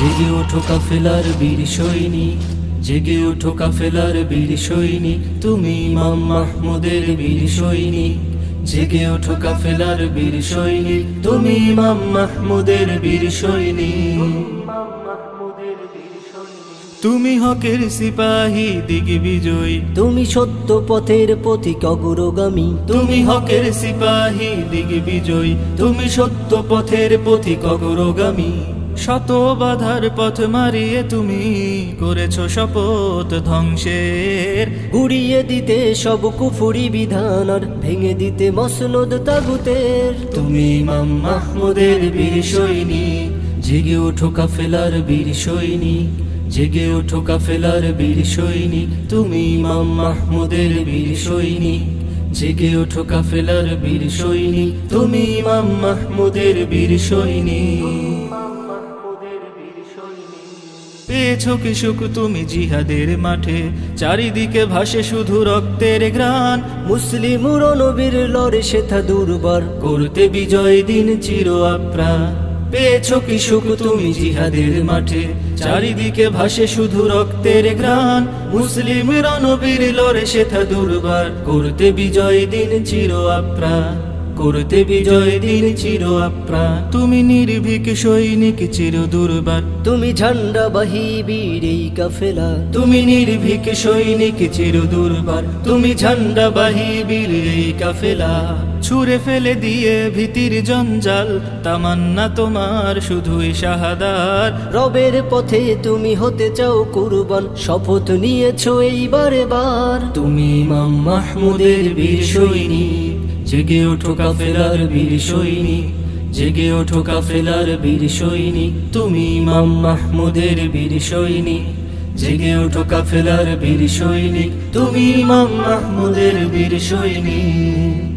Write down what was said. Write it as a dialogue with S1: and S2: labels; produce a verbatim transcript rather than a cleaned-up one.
S1: জেগে ওঠো কাফেলার বীর সৈনিক, জেগে ওঠো কাফেলার বীর সৈনিক, তুমি ইমাম মাহমুদের বীর সৈনিক। জেগে ওঠো কাফেলার বীর সৈনিক, তুমি ইমাম মাহমুদের বীর সৈনিক। তুমি হকের সিপাহী দিগ্বিজয়ী,
S2: তুমি সত্য পথের পথিক অগ্রগামী।
S1: তুমি হকের সিপাহী দিগ্বিজয়ী, তুমি সত্য পথের পথিক অগ্রগামী। শত বাধার পথ মারিয়ে তুমি করেছো শপথ ধ্বংসের,
S2: গুড়িয়ে দিতে সব কুফুরি বিধান আর ভেঙে দিতে মসনদ তাগুতের।
S1: তুমি ইমাম মাহমুদের বীর সৈনিক, জেগে ওঠো কাফেলার বীর সৈনিক। জেগে ওঠো কাফেলার বীর সৈনিক, তুমি ইমাম মাহমুদের বীর সৈনিক। জেগে ওঠো কাফেলার বীর সৈনিক, তুমি ইমাম মাহমুদের বীর সৈনিক। পেয়েছো কি সুখ তুমি জিহাদের মাঠে, চারিদিকে ভাসে শুধু রক্তের ঘ্রাণ।
S2: মুসলিম নবীর লড়ে সেথা দুর্বার,
S1: করতে বিজয় দিন চির আপ্রাণ। পেয়েছো কি সুখ তুমি জিহাদের মাঠে, চারিদিকে ভাসে শুধু রক্তের ঘ্রাণ। মুসলিম রণবীর লড়ে সেথা দুর্বার, করতে বিজয় দিন চির আপ্রাণ। করতে বিজয় দিন চির আপ্রাণ। তুমি নির্ভীক সৈনিক চির দুর্বার,
S2: তুমি ঝান্ডা বাহি বীর এই কাফেলা।
S1: তুমি নির্ভীক সৈনিক চির দুর্বার, তুমি ঝান্ডা বাহি বীর এই কাফেলা। ছুঁড়ে ফেলে দিয়ে ভীতির জঞ্জাল, তামান্না তোমার শুধুই শাহাদাত।
S2: রবের পথে তুমি হতে চাও কুরবান, শপথ নিয়েছো এইবারে বার।
S1: তুমি ইমাম মাহমুদের বীর সৈনিক, জেগে ওঠো কাফেলার বীর সৈনিক। জেগে ওঠো কাফেলার বীর সৈনিক, তুমি ইমাম মাহমুদের বীর সৈনিক। জেগে ওঠো কাফেলার বীর সৈনিক, তুমি ইমাম মাহমুদের বীর সৈনিক।